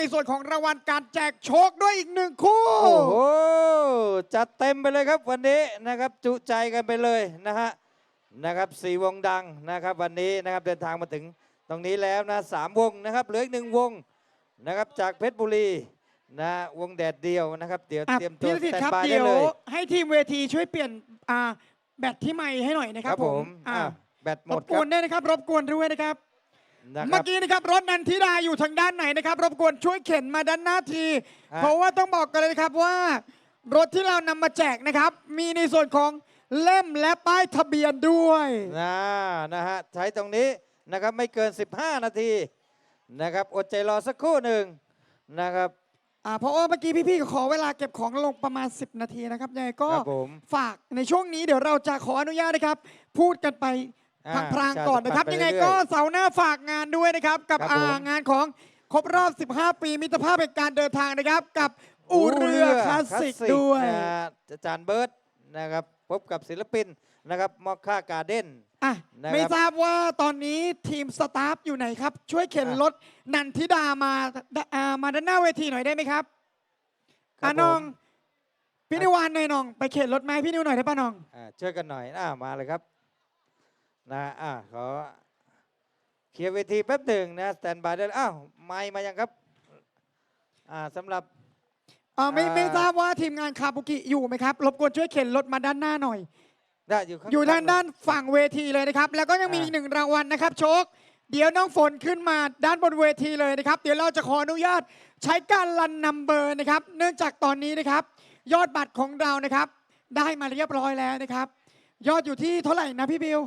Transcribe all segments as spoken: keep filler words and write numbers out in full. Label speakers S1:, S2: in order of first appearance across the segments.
S1: ในส่วนของรางวัลการแจกโชคด้วยอีกหนึ่งคู่
S2: โอ้โหจัดเต็มไปเลยครับวันนี้นะครับจุใจกันไปเลยนะฮะนะครับสี่วงดังนะครับวันนี้นะครับเดินทางมาถึงตรงนี้แล้วนะสามวงนะครับเหลืออีกหนึ่งวงนะครับจากเพชรบุรีนะวงแดดเดียวนะครับเดี๋ยวเตรียมตัว
S1: พี่
S2: ส
S1: ธิต
S2: แตน
S1: ครับ
S2: บาย
S1: เดี๋
S2: ได้
S1: ยว
S2: เลย
S1: ให้ทีมเวทีช่วยเปลี่ยนอ่าแบตที่ไมค์ให้หน่อยนะครับผม
S2: อ่าแบตหม
S1: ร
S2: ด
S1: บ
S2: ค
S1: ก
S2: รั
S1: ว
S2: บ
S1: นด้วยนะครับรบกวนด้วยนะครับ
S2: นะค
S1: เมื่
S2: รั
S1: อบ กี้นะครับรถนันทิดาอยู่ทางด้านไหนนะครับรบกวนช่วยเข็นมาด้านหน้าที
S2: ฮะ
S1: เพราะว่าต้องบอกกันเลยนะครับว่ารถที่เรานำมาแจกนะครับ มีในส่วนของเล่มและป้ายทะเบียนด้วย
S2: นะนะฮะใช้ตรงนี้นะครับไม่เกินสิบห้านาทีนะครับอดใจรอสักครู่หนึ่งนะครับ
S1: อ่าเพราะว่าเมื่อกี้พี่ๆขอเวลาเก็บของลงประมาณสิบนาทีนะครับยังไงก็
S2: ครับผม
S1: ฝากในช่วงนี้เดี๋ยวเราจะขออนุญาตนะครับ พูดกันไป
S2: อ่า
S1: พลางๆก่อนนะครับ
S2: ใช่
S1: ยังไง
S2: ไปเรื่อยๆ
S1: ก็เสาร์หน้าฝากงานด้วยนะครับ กับ
S2: ครับ
S1: อ่า
S2: ผม
S1: งานของครบรอบ สิบห้า ปีมิตรภาพแห่งการเดินทางนะครับ กับอูเรือคลาสสิกด้วย
S2: นะฮะอาจารย์เบิร์ตนะครับพบกับศิลปินนะครับมอคค่าการ์เด้น
S1: อ่ะ
S2: นะครับ
S1: ไม่ทราบว่าตอนนี้ทีมสตาฟอยู่ไหนครับ ช่วยเข็น
S2: อ่ะ
S1: รถนันทิดามาอ่ามาด้านหน้าเวทีหน่อยได้ไหมครับ
S2: ครั
S1: อ่ะ
S2: บ
S1: น้อง
S2: ผม
S1: พี่นิวานหน่อยน้อง ไปเข็นรถไมาให้พี่นิวหน่อยได้ป่ะน้อง
S2: อ่าช่วยกันหน่อยอ่ามาเลยครับนะอ่าขอเคลียร์เวทีแป๊บหนึ่งนะสแตนบายได้เลยอ้าวไมค์มายังครับอ่าสำหรับ
S1: อ่าไม่
S2: อ่า
S1: ไม่ทราบว่าทีมงานคาบุกิอยู่ไหมครับรบกวนช่วยเข็นรถมาด้านหน้าหน่อย
S2: ได้อยู่ข้าง
S1: อยู่ด้านด้านฝั่งเวทีเลยนะครับ แล้วก็ยังมี
S2: อ่า
S1: อีกหนึ่งรางวัลนะครับโชค เดี๋ยวน้องฝนขึ้นมาด้านบนเวทีเลยนะครับ เดี๋ยวเราจะขออนุญาตใช้การรันนัมเบอร์นะครับ เนื่องจากตอนนี้นะครับ ยอดบัตรของเรานะครับ ได้มาเรียบร้อยแล้วนะครับ ยอดอยู่ที่เท่าไหร่นะพี่บิว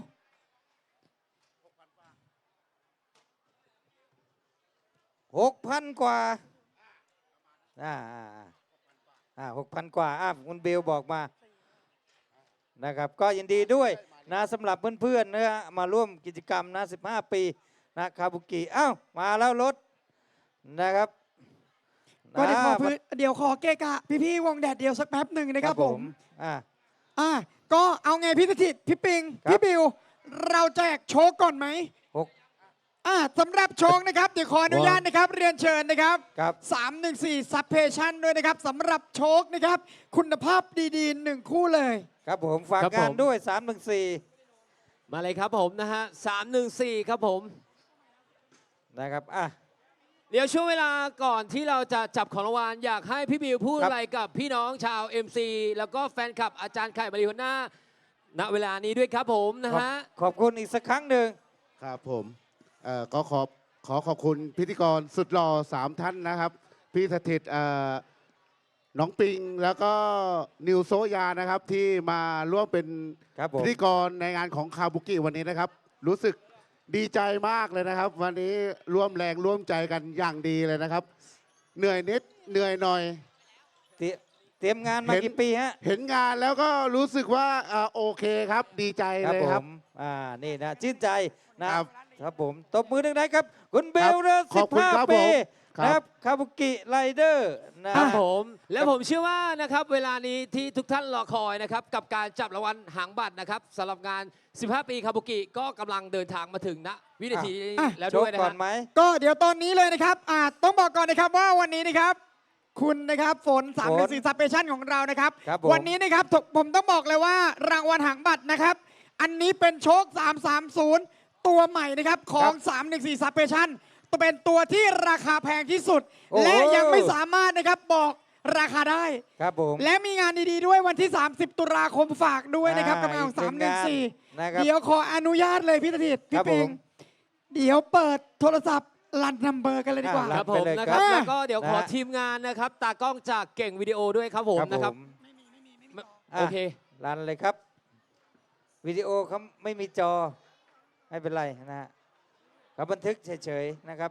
S2: หกพันกว่าอ่าอ่าอ่าอ่าหกพันกว่าอ่าคุณเบลบอกมานะครับก็ยินดีด้วยนะสำหรับเพื่อนๆนะฮะมาร่วมกิจกรรมนะสิบห้าปีนะคาบุกิอ้าวมาแล้วรถนะครับ
S1: ก็เดี๋ยวขอ
S2: นะ
S1: พื้นเดี๋ยวขอเกะกะพี่ๆวงแดดเดียวสักแป๊บหนึ่งนะครับผม
S2: อ่า
S1: อ่ะก็เอาไงพี่สถิตพี่ปิง
S2: ครับ
S1: พี่บิว เราแจกโชคก่อนไหม
S2: หก
S1: อ่ะสำหรับโชคนะครับ เดี๋ยวขออนุญาตนะครับ เรียนเชิญนะครับ
S2: ครับ
S1: สามหนึ่งสี่ซับเพชั่นด้วยนะครับสำหรับโชคนะครับ คุณภาพดีๆหนึ่งคู่เลย
S2: ครับผมฝาก
S3: ครับ
S2: งาน
S3: ผม
S2: ด้วยสามหนึ่งสี่
S3: มาเลยครับผมนะฮะสามหนึ่งสี่ครับผม
S2: นะครับอ่ะ
S3: เดี๋ยวช่วงเวลาก่อนที่เราจะจับของรางวัลอยากให้พี่บิวพูด
S2: ครับ
S3: อะไรกับพี่น้องชาว เอ็ม ซี แล้วก็แฟนคลับอาจารย์ไข่มาริโฮน่าณเวลานี้ด้วยครับผมนะ
S2: ขอบ
S3: ฮะ
S2: ขอบคุณอีกสักครั้งหนึ่ง
S4: ครับผมเอ่อก็ขอขอขอบคุณพิธีกรสุดหล่อสามท่านนะครับ พี่สถิตเอ่อน้องปิงแล้วก็นิวโซยานะครับ ที่มาร่วมเป็น
S2: ครับผม
S4: พิธีกรในงานของคาบุกิวันนี้นะครับ รู้สึกดีใจมากเลยนะครับ วันนี้ร่วมแรงร่วมใจกันอย่างดีเลยนะครับ เหนื่อยนิดเหนื่อยหน่อย
S2: เตรียเตรียมงานมา
S4: เห็น
S2: กี่ปีฮะ
S4: เห็นงานแล้วก็รู้สึกว่าอ่าโอเคครับ ดีใจ
S2: ครับ
S4: เลย
S2: ผ
S4: ครับ
S2: มอ่านี่นะชื่นใจนะครับ ครับผมตบมือหนึ่งนะครับ คุณเบลเรือ
S4: ข
S2: สิ
S4: อบบ คุณ
S2: ห้า
S4: ครับ
S2: ปี
S4: ผมครับ
S2: นะครับคาบุกิไรเดอร์นะ
S3: ครับผมและผมเชื่อว่านะครับเวลานี้ที่ทุกท่านรอคอยนะครับกับการจับรางวัลหางบัตรนะครับสำหรับงาน สิบห้า ปีคาบุกิก็กำลังเดินทางมาถึงณวินาทีนี้
S1: อ่ะ
S3: แล้ว
S2: โช
S3: ด้
S2: ค
S3: วยนะ
S2: ก่อ
S3: ฮะ
S2: นไหม
S1: ก็เดี๋ยวตอนนี้เลยนะครับอ่าต้องบอกก่อนนะครับว่าวันนี้นะครับ คุณนะครับฝนสามหนึ่งสี่ซับเพชั่นของเรานะครับ
S2: ครับผม
S1: วันนี้นะครับถกผมต้องบอกเลยว่ารางวัลหางบัตรนะครับ อันนี้เป็นโชค สามสามศูนย์ ตัวใหม่นะครับของ สามหนึ่งสี่ซับเพชั่นตัวเป็นตัวที่ราคาแพงที่สุด
S2: โอ้โห
S1: และยังไม่สามารถนะครับบอกราคาได้
S2: ครับผม
S1: และมีงานดีๆด้วยวันที่ สามสิบ ตุลาคมฝากด้วยนะครับ
S2: อ่า
S1: กับงานของ
S2: อีก
S1: สามหนึ่งสี่
S2: หนึ่งงานนะครับ
S1: เดี๋ยวขออนุญาตเลยพี่สถิต
S2: ครั
S1: พี่
S2: บ
S1: ปิง
S2: ผม
S1: เดี๋ยวเปิดโทรศัพท์รันนัมเบอร์กันเลยดีกว่า
S2: อ่า
S3: ครับผม
S2: ไปเลย
S3: นะ
S2: ค
S3: ค
S2: รั
S3: รับ บแล้วก็เดี๋ยวขอ
S2: นะฮะ
S3: ทีมงานนะครับตากล้องจากเก่งวิดีโอด้วยครับผมนะครับ
S2: อ่ะ
S3: โอเค
S2: รันเลยครับ วิดีโอเขาไม่มีจอไม่เป็นไรนะฮะเขาบันทึกเฉยๆนะครับ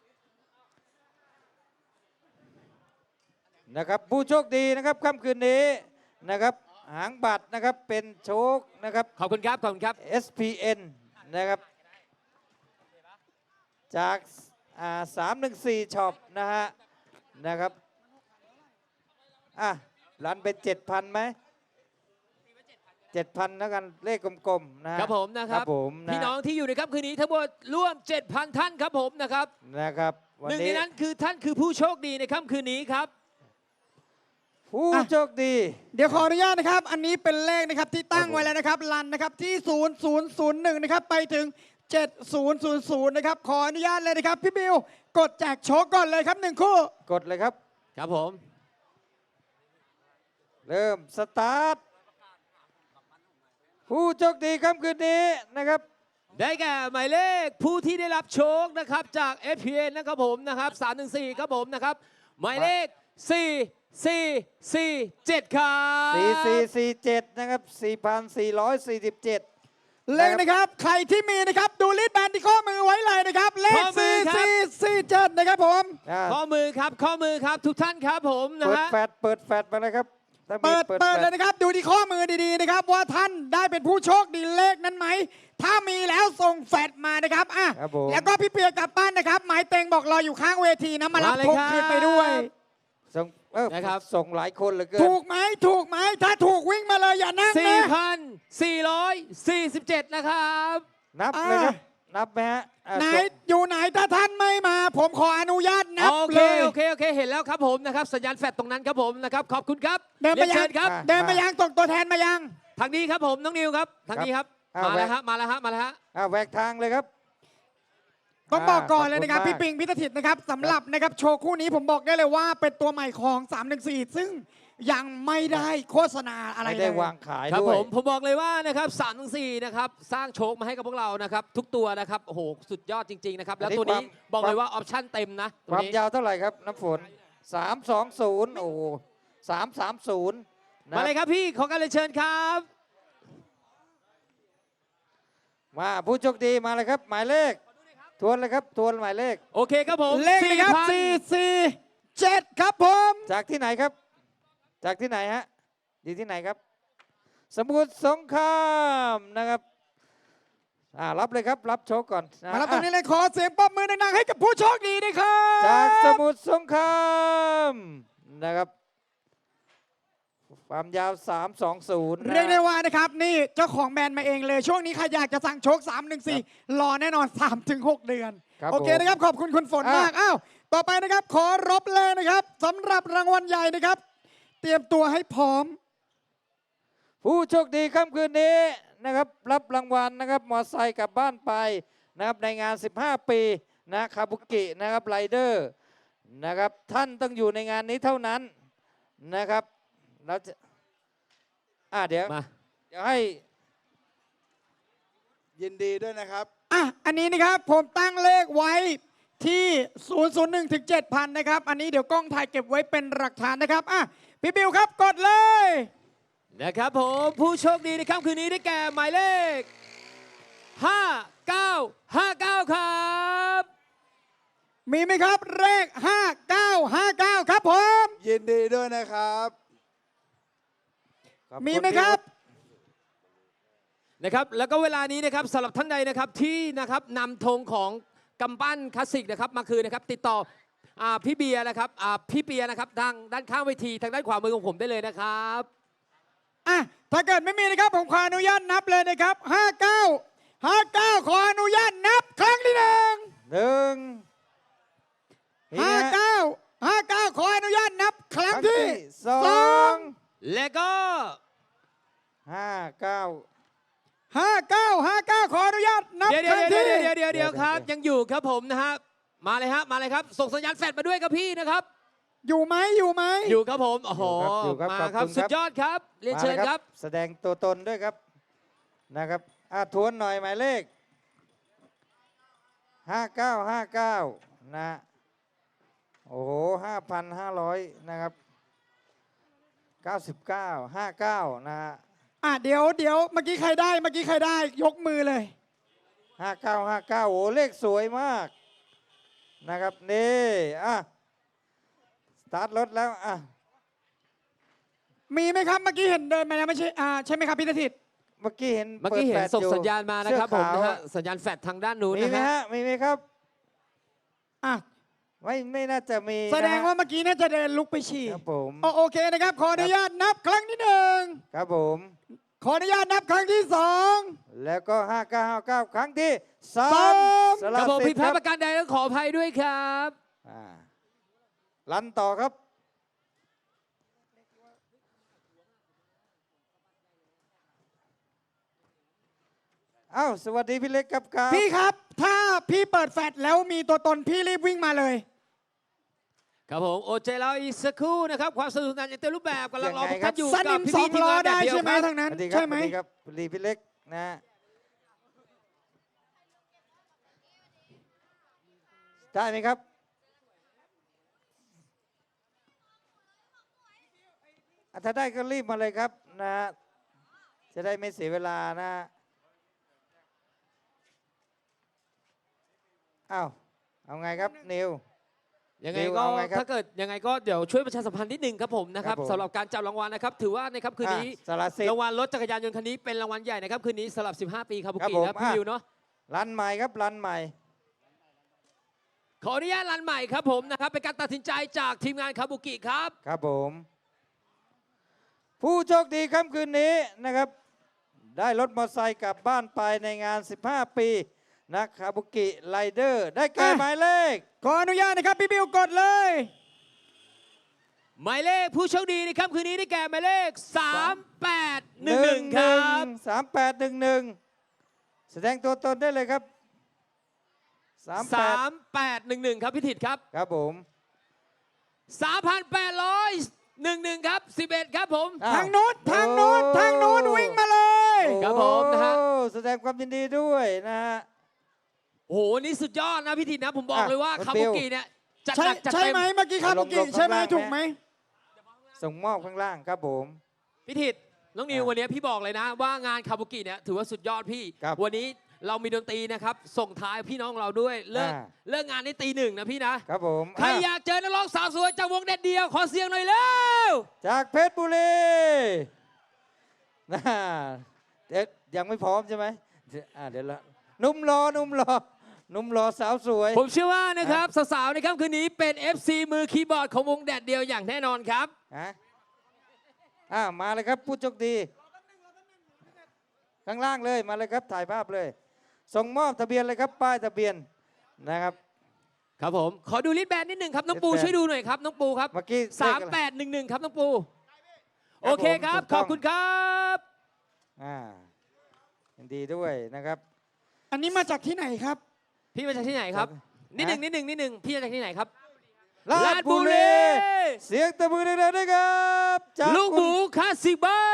S2: นะครับ ผู้โชคดีนะครับค่ำคืนนี้นะครับหางบัตรนะครับเป็นโชคนะครับ
S3: ขอบคุณครับขอบคุณครับ
S2: เอส พี เอ็น นะครับจากสามหนึ่งสี่ช็อปนะฮะนะครับอ่ะรันไปเจ็ดพันไหมเจ็ดพันแล้วกันเลขกลมๆนะครับ
S3: ผมนะครับ
S2: ผมนะ
S3: พี่น้องที่อยู่ในค่ำคืนนี้ทั้งหมดร่วม เจ็ดพัน ท่านครับผมนะครับ
S2: นะครับวัน
S3: หนึ่งใน
S2: นี้
S3: นั้นคือท่านคือผู้โชคดีในค่ำคืนนี้ครับ
S2: ผู้
S1: อ่ะ
S2: โชคดี
S1: เดี๋ยวขออนุญาตนะครับ อันนี้เป็นเลขนะครับที่ตั้งไว้แล้วนะครับรันนะครับที่ ศูนย์ ศูนย์ ศูนย์ หนึ่ง นะครับไปถึง เจ็ด ศูนย์ ศูนย์ ศูนย์ นะครับขออนุญาตเลยนะครับพี่บิวกดแจกโชคก่อนเลยครับหนึ่งคู่
S2: กดเลยครับ
S3: ครับผม
S2: เริ่มสตาร์ทผู้โชคดีค่ำคืนนี้นะครับ
S3: ได้แก่หมายเลขผู้ที่ได้รับโชคนะครับจาก เอฟ พี เอ็น นะครับผมนะครับสามหนึ่งสี่ครับผมนะครับหมายเลข สี่ สี่ สี่ เจ็ด ครับ
S2: สี่ สี่ สี่ เจ็ด นะครับ สี่พันสี่ร้อยสี่สิบเจ็ด
S1: เลขนะครับใครที่มีนะครับดูลิสต์แบนที่ข้อมือไว้เลยนะครับเลข สี่ สี่ สี่ เจ็ด นะครับผม
S2: อ่า
S3: ข้อมือครับข้อมือครับทุกท่านครับผมนะ
S2: เปิด
S3: ฮะ
S2: แฟดเปิดแฟดมาเลยครับถ้ามี
S1: เปิดเปิด
S2: แฟ
S1: เลยนะครับดูที่ข้อมือดีๆนะครับว่าท่านได้เป็นผู้โชคดีเลขนั้นไหมถ้ามีแล้วส่งแฟดมานะครับอ่ะ
S2: ครับผม
S1: แล้วก็พี่เปียกลับบ้านนะครับหมายเต็งบอกรออยู่ข้างเวทีนะมารับ
S3: มาเลย
S1: ธง
S3: ครับ
S1: คืนไปด้วย
S2: ส่งเออ
S3: นะครับ
S2: ส่งหลายคนเหลือเกิน
S1: ถูกไหมถูกไหมถ้าถูกวิ่งมาเลยอย่านั่ง
S3: สี่
S1: นะ
S3: พันสี่ร้อยสี่สิบเจ็ด นะครับ
S2: นับ
S1: อ่า
S2: เลยครับนับไหมฮะอ่า
S1: ไหน
S2: ส่ง
S1: อยู่ไหนถ้าท่านไม่มา ผมขออนุญาตนับ
S3: โอเค
S1: เลย
S3: โอเคโอเคเห็นแล้วครับผมนะครับสัญญาณแฟลชตรงนั้นครับผมนะครับขอบคุณครับ
S1: เดินไป
S3: รีย
S1: ยั
S3: เชิ
S1: ง
S3: ญครับ
S1: เดินไปยังตกตัวแทนมายัง
S3: ทางนี้ครับผมน้องนิวครับทางนี้ครับ
S2: อ่า
S3: มาแล้ว
S2: แวะ
S3: ฮะมาแล้วฮะมาแล้วฮะ
S2: อ่าแหวกทางเลยครับ
S1: ต้องบอกก่อนเลยนะครับ
S2: ขอบคุณ
S1: พี่ปิงพิธทิตนะครับสำหรับนะครับโชว์คู่นี้ผมบอกได้เลยว่าเป็นตัวใหม่ของสามหนึ่งสี่ซึ่งยังไม่ได้โฆษณาอะไร
S2: ไม่
S1: เล
S2: ได้
S1: ยว
S2: างขาย
S3: ครับ
S2: ด้
S3: ผ
S2: วย
S3: มผมบอกเลยว่านะครับสามถึงสี่นะครับสร้างโชคมาให้กับพวกเรานะครับทุกตัวนะครับโอ้โหสุดยอดจริงๆนะครับแล้วตัวนี้บอกเลยว่าออปชั่นเต็มนะตั
S2: คว วาม
S3: นี้
S2: ยาวเท่าไหร่ครับน้ำฝนสามสองศูนย์โอ้สามสามศูนย์
S3: มาเลยครับพี่ขอการเรียนเชิญครับ
S2: มาผู้โชคดีมาเลยครับ หมายเลข ทวนเลยครับทวนหมายเลข
S3: โอเคครับผม
S1: เลขนะครับ
S3: 4,000
S1: สี่ สี่ เจ็ดครับผม
S2: จากที่ไหนครับ จากที่ไหนฮะอยู่ที่ไหนครับ สมุทรสงครามนะครับอ่ารับเลยครับรับโชคก่อนนะ
S1: มารับตรงนี้
S2: อ่ะ
S1: เลยขอเสียงปรบมือดังๆให้กับผู้โชคดีด้วยครับ
S2: จากสมุทรสงครามนะครับความยาว สามสองศูนย์
S1: เรียกได้ว่านะครับนี่เจ้าของแบรนด์มาเองเลย ช่วงนี้ใครอยากจะสั่งโชคสามหนึ่งสี่รอแน่นอนสามถึงหกเดือน
S2: ครับ
S1: โอเค
S2: ผม
S1: นะครับ ขอบคุณคุณฝน
S2: อ่ะ
S1: มาก อ้าว ต่อไปนะครับ ขอรบเลยนะครับสำหรับรางวัลใหญ่นะครับ เตรียมตัวให้พร้อม
S2: ผู้โชคดีค่ำคืนนี้นะครับรับรางวัลนะครับมอไซค์กลับบ้านไปนะครับในงาน สิบห้า ปีนะคาบุกินะครับไรเดอร์นะครับท่านต้องอยู่ในงานนี้เท่านั้นนะครับเราจะอ่าเดี๋ยว
S3: มา
S2: เดี๋ยวให้
S5: ยินดีด้วยนะครับ
S1: อ่ะ อันนี้นะครับ ผมตั้งเลขไว้ที่ ศูนย์ ศูนย์ หนึ่ง ถึง เจ็ดพัน นะครับ อันนี้เดี๋ยวกล้องถ่ายเก็บไว้เป็นหลักฐานนะครับ อ่ะ พี่บิวครับ กดเลย
S3: นะครับผมผู้โชคดีในค่ำคืนนี้ได้แก่หมายเลข ห้า เก้า ห้า เก้า ครับ
S1: มีไหมครับ เลข ห้า เก้า ห้า เก้า ครับผม
S5: ยินดีด้วยนะครับ
S2: ขอบณ
S1: มีไหมครับ
S3: นะครับแล้วก็เวลานี้นะครับสำหรับท่านใดนะครับที่นะครับนำธงของกำปั้นคลาสสิกนะครับมาคืนนะครับติดต่ออ่าพี่เบียร์นะครับอ่าพี่เบียร์นะครับทางด้านข้างเวทีทางด้านขวามือของผมได้เลยนะครับ
S1: อ่ะ ถ้าเกิดไม่มีนะครับ ผมขออนุญาตนับเลยนะครับ ห้า เก้า ห้า เก้า ขออนุญาตนับครั้งที่หนึ่ง
S2: หนึ่งนี่
S1: ห้า
S2: นะฮะ
S1: เก้า ห้า เก้า ขออนุญาตนับครั้ง
S2: ครั้ง
S1: ที่
S2: ที่สอ
S1: สอง ง
S3: และก็
S2: ห้าเก้า
S1: ห้า เก้า ห้า เก้า ขออนุญาตนับ
S3: เดี๋ยว
S1: ครั้ง
S3: เดี๋
S1: ที่
S3: ยวเดี๋ยวเดี๋ยวเดี๋ยวครับ
S2: เดี๋ยว
S3: ยังอยู่ครับผมนะฮะมาเลยฮะมาเลยครับส่งสัญญาณแฟลชมาด้วยครับพี่นะครับ
S1: อยู่ไหมอยู่ไหม
S3: อยู่ครับผมโอ้โห
S2: อยู่ครับ
S3: มา
S2: ขอบ
S3: ครับ
S2: คุณครับ
S3: สุดยอดครับเรียนเชิญ
S2: มาล
S3: ครับ
S2: แสดงตัวตนด้วยครับนะครับอ่ะทวนหน่อยหมายเลข ห้าเก้า ห้าเก้า นะโอ้โหห้าพันห้าร้อยนะครับเก้าสิบเก้า ห้าเก้านะฮะ
S1: อ่ะเดี๋ยวเดี๋ยวเมื่อกี้ใครได้เมื่อกี้ใครได้ยกมือเลย
S2: ห้าเก้า ห้าเก้าโอ้เลขสวยมากนะครับนี่อ่ะสตาร์ทรถแล้วอ่ะ
S1: มีไหมครับเมื่อกี้เห็นเดินมาแล้วไม่ใช่อ่าใช่ไหมครับพี่ธทิต
S2: เมื่อกี้เห็น
S3: เมื่อกี้เห็น
S2: ปิดแฟลช
S3: ส่ง
S2: อยู่
S3: สัญญาณมานะครับผม
S2: เสื้อ
S3: นะ
S2: ขาว
S3: ฮะสัญญาณแฟลชทางด้านนู้น
S2: มี
S3: นะ
S2: ไหม
S3: ฮะ
S2: ฮะมีไหมครับ
S1: อ่ะ
S2: ไม่ไม่น่าจะมี
S1: แสดง
S2: นะฮะ
S1: ว่าเมื่อกี้น่าจะเดินลุกไปฉี่
S2: ครับผม
S1: โอโอเคนะครับ ขออนุญาตนับครั้งที่หนึ่ง
S2: ครับผม
S1: ขออนุญาตนับครั้งที่สอง
S2: แล้วก็ห้าเก้าห้าเก้าครั้งที่สา
S1: สาม ม
S2: ส
S3: ค
S2: ละ
S3: รับผม
S2: สิ
S3: ผิ
S2: ท
S3: ด
S2: ธิ์
S3: พ
S2: ค
S3: ลา
S2: รั
S3: ด
S2: บ
S3: ประการใดต้องขออภัยด้วยครับ
S2: อ่าลันต่อครับ เอ้าสวัสดีพี่เล็กครับครับ
S1: พี่ครับ ถ้าพี่เปิดแฟลชแล้วมีตัวตนพี่รีบวิ่งมาเลย
S3: ครับผมโอเจเราอีกสักครู่นะครับความสนุกสนานอย่างเต็มรูปแบบกำลังรอพวกท่านอยู่
S1: ส
S3: กั
S1: นิ
S3: บ
S1: ม
S3: พี่
S1: สอ
S3: พี่
S1: ง
S3: ทีม
S1: ล้อง
S3: านแด
S1: ได้
S3: ดเดียว
S1: ใช่ไหม
S3: ครับ
S1: ทางนั้น
S2: สวัสดีครั
S1: ใช่
S2: บ
S1: ไหม
S2: สวัสดีครับสวัสดีพี่เล็กนะได้ไหมครับอ่ะถ้าได้ก็รีบมาเลยครับนะ จะได้ไม่เสียเวลานะอ้าวเอาไงครับนิว
S3: ยังไง
S2: ดิว
S3: ก็
S2: เอาไงครับ
S3: ถ้าเกิดยังไงก็เดี๋ยวช่วยประชาสัมพันธ์นิดนึงครับผมนะครับ
S2: ครับผม
S3: สำหรับการจับรางวัลนะครับถือว่าในค่ำคืนนี้
S2: อ่ะสละสิทธิ์
S3: รางวัลรถจักรยานยนต์คันนี้เป็นรางวัลใหญ่นะครับคืนนี้สำหรับ สิบห้า ปีคาบุ
S2: ครับ
S3: กิ
S2: ผม
S3: และพี่
S2: อ่ะ
S3: วิวเนาะ
S2: รันใหม่ครับรันใหม่
S3: ขออนุญาตรันใหม่ครับผมนะครับเป็นการตัดสินใจจากทีมงานคาบุกิครับ
S2: ครับผม ผู้โชคดีค่ำคืนนี้นะครับ ได้รถมอเตอร์ไซค์กลับบ้านไปในงาน สิบห้า ปีนะคาบุกิไลเดอร์ได้แก่
S1: อ่ะ
S2: หมายเลข
S1: ขออนุญาตนะครับพี่บิวกดเลย
S3: หมายเลขผู้โชคดีในค่ำคืนนี้ได้แก่หมายเลข สามแปดหนึ่งหนึ่ง ครับ
S2: สามแปดหนึ่งหนึ่งแสดงตัวตนได้เลยครับสามแปด
S3: สามแปดหนึ่งหนึ่งครับพี่ถิตครับ
S2: ครับผม
S3: สามพันแปดร้อยหนึ่งหนึ่งครับสิบเอ็ดครับผม
S2: อ้ว
S1: ทางโน้นทางโน้น
S2: โอ้
S1: ทางโน้นวิ่งมาเลย
S3: ครับผมนะฮะ
S2: โอ้แสดงความยินดีด้วยนะฮะ
S3: โอ้โหนี่สุดยอดนะพี่ถิตนะผมบอก
S2: อ่ะ
S3: เลยว่า
S2: คุณ
S3: คา
S2: บิ
S3: บุ
S2: ว
S3: กิเนี่ยจัด
S1: ใช่
S3: หนักจัด
S1: ใช่
S3: เต็ม
S1: ไหมเมื่อกี้ครับ
S2: ล
S1: เมื่
S2: ง
S1: อกี้
S2: ลง
S1: ใช่ไหม
S2: ข้างล่าง
S1: ถูกไหม
S2: ส่งมอบข้างล่างครับผม
S3: พี่ถิตน้องนิว
S2: อ่ะ
S3: วันนี้พี่บอกเลยนะ ว่างานคาบุกิเนี่ยถือว่าสุดยอดพี่
S2: ครับ
S3: วันนี้เรามีดนตรีนะครับส่งท้ายพี่น้องเราด้วยเลิก
S2: อ่า
S3: เลิกงานในตีหนึ่งนะพี่นะครับ
S2: ผม
S3: ใคร
S2: อ่ะ
S3: อยากเจอนักร้องสาวสวยจากวงเด็ดเดียวขอเสียงหน่อยเร็ว
S2: จากเพชรบุรีนะเดี๋ยวยังไม่พร้อมใช่ไหมเดี๋ยวอ่ะเดี๋ยวละหนุ่มรอหนุ่มรอหนุ่มรอสาวสวย
S3: ผมเชื่อว่านะครับสาวๆในค่ำคืนนี้เป็น เอฟ ซี มือคีย์บอร์ดของวงแดดเดียวอย่างแน่นอนครับ
S2: ฮะอ่ามาเลยครับผู้โชคดี ข้างล่างเลยมาเลยครับถ่ายภาพเลย ส่งมอบทะเบียนเลยครับป้ายทะเบียนนะครับ
S3: ครับผมขอดูลิสต์แบนนิดหนึ่งครับน้องปู
S2: ลิสต์แบน
S3: ช่วยดูหน่อยครับน้องปูครับ
S2: เมื่อกี้
S3: สาม
S2: เลขอะไร
S3: แปดหนึ่งหนึ่งครับน้องปู
S2: ครับ
S3: โอเคครับ
S2: ผมถูกต้
S3: ข
S2: อง
S3: อบคุณครับ
S2: อ่ายินดีด้วยนะครับ
S1: อันนี้มาจากที่ไหนครับ
S3: พี่มาจากที่ไหนครับ
S2: ครับ
S3: นิดหนึ่งนิดหนึ่งนิดหนึ่งพี่มาจากที่ไหนครับ
S2: ลาดบุรีเสียงตะมือดังๆด้วยครับจาก
S3: ลูกหมู
S2: คุณ
S3: คลาสสิกบาย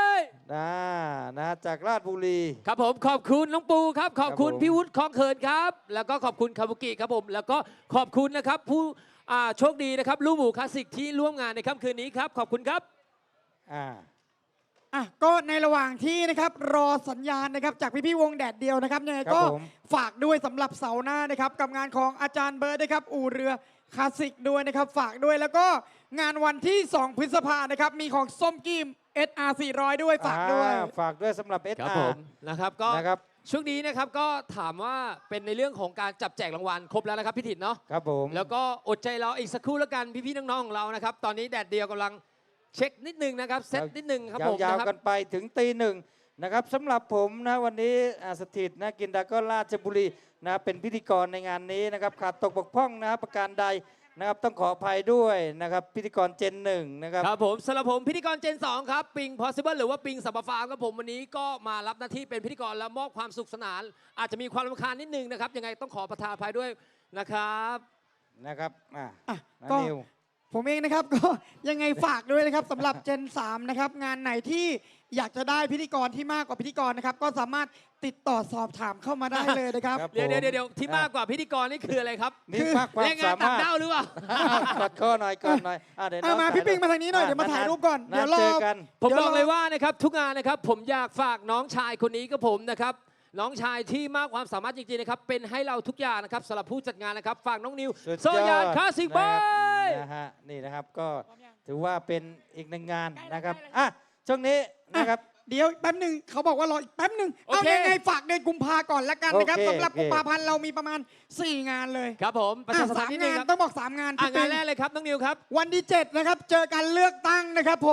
S2: นะนะจากลาดบุรี
S3: ครับผมขอบคุณน้องปูครับ ขอบคุณ
S2: ครับผม
S3: พี่วุฒิคลองเขินครับ แล้วก็ขอบคุณคาบุกิครับผม แล้วก็ขอบคุณนะครับผู้อ่าโชคดีนะครับลูกหมูคลาสสิกที่ร่วมงานในค่ำคืนนี้ครับขอบคุณครับ
S2: อ่า
S1: อ่ะก็ในระหว่างที่นะครับรอสัญญาณนะครับจากพี่ๆวงแดดเดียวนะครับยังไง
S2: ครับ
S1: ก็
S2: ผม
S1: ฝากด้วยสำหรับเสาร์หน้านะครับกับงานของอาจารย์เบิร์ดนะครับอู่เรือคลาสสิกด้วยนะครับฝากด้วยแล้วก็งานวันที่ สองพฤษภานะครับมีของส้มกิม เอส อาร์ สี่ร้อยด้วยฝากด้วย
S2: อ่ฝากด้วยสำหรับเอส
S3: ครับ
S2: อา
S3: ผ
S2: ร์
S3: มนะครับก็
S2: นะครับ
S3: ช่วงนี้นะครับก็ถามว่าเป็นในเรื่องของการจับแจกรางวัลครบแล้วนะครับพี่ถิตเนาะ
S2: ครับผม
S3: แล้วก็อดใจรออีกสักครู่แล้วกันพี่ๆน้องๆของเรานะครับตอนนี้แดดเดียวกำลังเช็คนิดนึงนะครับเซตนิดนึงครับผม
S2: ยาว
S3: นะครั
S2: ๆกันไปถึงตีหนึ่งนะครับสำหรับผมนะวันนี้อ่าสถิตนะกินดาก็ราชบุรีนะเป็นพิธีกรในงานนี้นะครับขาดตกบกพร่องนะประการใดนะครับต้องขออภัยด้วยนะครับพิธีกรเจนหนึ่งนะครับ
S3: ครับผมสำหรับผมพิธีกรเจนสองครับปิง possible หรือว่าปิงสัมปฟาร์มครับผมวันนี้ก็มารับหน้าที่เป็นพิธีกรและมอบความสุขสนาน อาจจะมีความรำคาญนิดนึงนะครับยังไงต้องขอประทานอภัยด้วยนะครับ
S2: นะครับอ่ะ
S1: อ่ะ
S2: นะ
S1: ก็
S2: นิว
S1: ผมเองนะครับ ก็ยังไงฝากด้วยนะครับสำหรับเจนสามนะครับงานไหนที่อยากจะได้พิธีกรที่มากกว่าพิธีกรนะครับก็สามารถติดต่อสอบถามเข้ามาได้เลยนะครับ
S2: ครับ
S3: เดี๋ยว
S2: ผม
S3: เดี๋ยวเดี๋ยวที่มากกว่าพิธีกรนี่คืออะไรครับ
S2: นี่มากความ
S3: แรงงาน
S2: สา
S3: ต่าง
S2: มารถ
S3: ด้าวหรือเปล่า
S2: กอดข้อหน่อยก่อนหน่อยอ่ะเดี๋ยวน้
S1: เอา
S2: อง
S1: มา
S2: ถ่ย
S1: พี่ปิง
S2: รูป
S1: มาทางนี้หน่อยเดี๋ยวมาถ่ายรูปก่อน
S2: ะ
S1: เดี๋ยวรอ
S2: เจอกัน
S3: ผม
S1: เดี๋ยว
S3: บอก
S1: เรา
S3: เลยว่านะครับทุกงานนะครับผมอยากฝากน้องชายคนนี้กับผมนะครับน้องชายที่มากความสามารถจริงๆนะครับเป็นให้เราทุกอย่างนะครับสำหรับผู้จัดงานนะครับฝากน้องนิว
S2: สุด
S3: โซยานคลาสสิกบอ
S2: นะครับ
S3: ย
S2: นะฮะนี่นะครับก็ถือว่าเป็นอีกหนึ่งงานนะครับอ่ะช่วงนี้นะครับ
S1: เดี๋ยวแป๊บหนึ่งเขาบอกว่ารออีกแป๊บหนึ่ง
S3: โอ
S1: เอา
S3: เค
S1: ยังไงฝากเดือนกุมภาก่อนละกันนะครับ
S2: โอเค
S1: สำหรับ
S2: โอเค
S1: กุมภาพันธ์เรามีประมาณ สี่ งานเลย
S3: ครับผมประชาสัมพั
S1: สาน ม
S3: ธ์นิดนึ
S1: งาง น
S3: ครับ
S1: ต้องบอก สาม งาน
S3: อ่ะ
S1: พี่
S3: งา
S1: ปิ
S3: น
S1: ง
S3: แรกเลยครับน้องนิวครับ
S1: วันที่เจ็ดนะครับเจอกันเลือกตั้งนะครับผม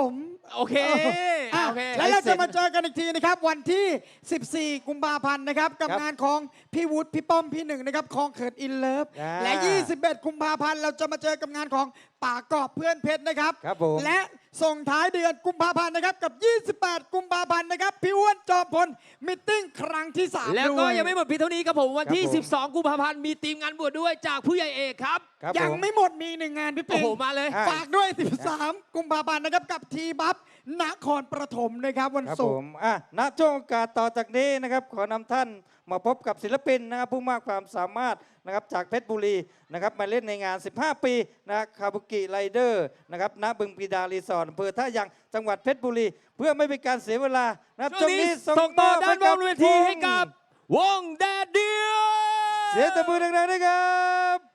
S3: โอเค
S1: อ่ะ
S3: โอเค
S1: แล้วเราจะมาเจอกันอีกทีนะครับ วันที่ สิบสี่ กุมภาพันธ์นะครับ กับ
S2: ครับ
S1: งานของพี่วุฒิพี่ป้อมพี่หนึ่งนะครับคองเขิดอินเลิฟ
S2: อ่า
S1: และ ยี่สิบเอ็ด กุมภาพันธ์เราจะมาเจอกับงานของป่ากอบเพื่อนเพชรนะครับ
S2: ครับผม
S1: และส่งท้ายเดือนกุมภาพันธ์นะครับกับ ยี่สิบแปด กุมภาพันธ์นะครับพี่อ้วนจอมพลมิทติ้งครั้งที่สาม
S3: แล้วก็
S1: ด้วย
S3: ยังไม่หมดเพียงเท่านี้ครับผมวันที่
S2: ครับผม
S3: สิบสอง กุมภาพันธ์มีทีมงานบวชด้วยจากผู้ใหญ่เอกครับ
S2: ครับ
S1: ยัง
S2: ผม
S1: ไม่หมดมีหนึ่งงานพี่
S3: โอ้
S1: ปิง
S3: โห มาเลย
S2: อ่ะ
S1: ฝากด้วย สิบสาม กุมภาพันธ์นะครับกับทีบัฟนครปฐมนะครับวัน
S2: ครับ
S1: ศุ
S2: ผ
S1: กร์
S2: มอ่ะณช่วงโอกาสต่อจากนี้นะครับ ขอนำท่านมาพบกับศิลปินนะครับผู้มากความสามารถนะครับจากเพชรบุรีนะครับมาเล่นในงาน สิบห้า ปีนะคาบุกิไรเดอร์นะครับณบึงปีดารีสอร์ทอำเภอท่ายางจังหวัดเพชรบุรี เพื่อไม่เป็นการเสียเวลานะครับ
S3: ช่วงนี้
S2: ส่
S3: ส่งต่อ
S2: มบ
S3: ด้านบ
S2: ให้
S3: นเวทีให้กับ วงแดดเดียว
S2: เสียงตะมือดังๆด้วยครับ